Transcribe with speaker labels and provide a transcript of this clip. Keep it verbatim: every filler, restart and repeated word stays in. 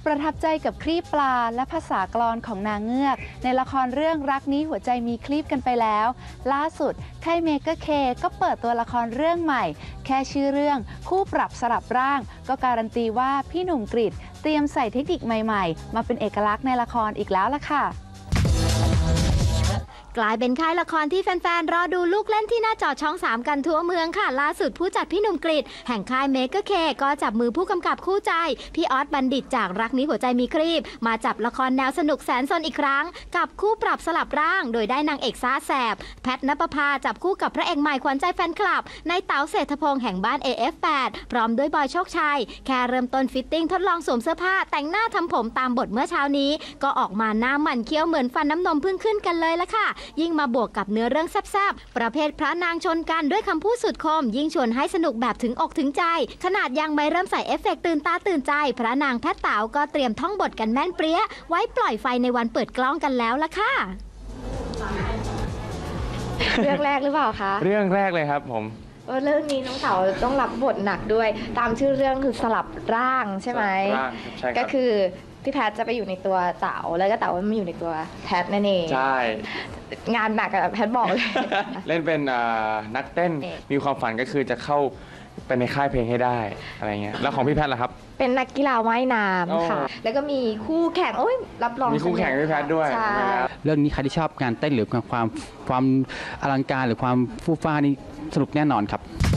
Speaker 1: ประทับใจกับคลีปปลาและภาษากลอนของนางเงือกในละครเรื่องรักนี้หัวใจมีคลีปกันไปแล้วล่าสุดค่ายเมเกอร์เคก็เปิดตัวละครเรื่องใหม่แค่ชื่อเรื่องคู่ปรับสลับร่างก็การันตีว่าพี่หนุ่มกฤษเตรียมใส่เทคนิคใหม่ๆมาเป็นเอกลักษณ์ในละครอีกแล้วล่ะค่ะ
Speaker 2: กลายเป็นค่ายละครที่แฟนๆรอดูลูกเล่นที่หน้าจอช่องสามกันทั่วเมืองค่ะล่าสุดผู้จัดพี่หนุ่มกฤษแห่งค่ายเมเกอร์เคก็จับมือผู้กำกับคู่ใจพี่ออสบัณฑิตจากรักนี้หัวใจมีครีบมาจับละครแนวสนุกแสนสนอีกครั้งกับคู่ปรับสลับร่างโดยได้นางเอกซ่าแสบแพทณปภาจับคู่กับพระเอกใหม่ขวัญใจแฟนคลับในเต๋าเศรษฐพงษ์แห่งบ้าน เอ เอฟ แปด พร้อมด้วยบอยโชคชัยแค่เริ่มต้นฟิตติ้งทดลองสวมเสื้อผ้าแต่งหน้าทำผมตามบทเมื่อเช้านี้ก็ออกมาหน้าหมันเคี้ยวเหมือนฟันน้ำนมพึ่งขึ้นกันเลยละค่ะยิ่งมาบวกกับเนื้อเรื่องแซ่บๆประเภทพระนางชนกันด้วยคำพูดสุดคมยิ่งชวนให้สนุกแบบถึงอกถึงใจขนาดยังไม่เริ่มใส่เอฟเฟกต์ตื่นตาตื่นใจพระนางแพทย์เต๋าก็เตรียมท่องบทกันแม่นเปรี้ยไว้ปล่อยไฟในวันเปิดกล้องกันแล้วล่ะค่ะ
Speaker 3: เรื่องแรกหรือเปล่าคะ
Speaker 4: เรื่องแรกเลยครับผม
Speaker 3: เรื่องนี้น้องเต๋าต้องรับบทหนักด้วยตามชื่อเรื่องคือสลับร่างใช่ไหม
Speaker 4: ใช่ครับ
Speaker 3: ก็คือพี่แพทจะไปอยู่ในตัวเต๋าแล้วก็เต๋ามาอยู่ในตัวแพทนั่นเอง
Speaker 4: ใช่
Speaker 3: งานหนักอะแพทบอกเลย
Speaker 4: เล่นเป็นนักเต้นมีความฝันก็คือจะเข้าไปในค่ายเพลงให้ได้อะไรเงี้ยแล้วของพี่แพทล่ะครับ
Speaker 3: เป็นนักกีฬาว่ายน้ำค่ะแล้วก็มีคู่แข่งโอ้ยรับรอง
Speaker 4: มีคู่แข่งพี่แพทด้วย
Speaker 5: เรื่องนี้ใครที่ชอบการเต้นหรือความความอลังการหรือความฟู่ฟ้านี่สนุกแน่นอนครับ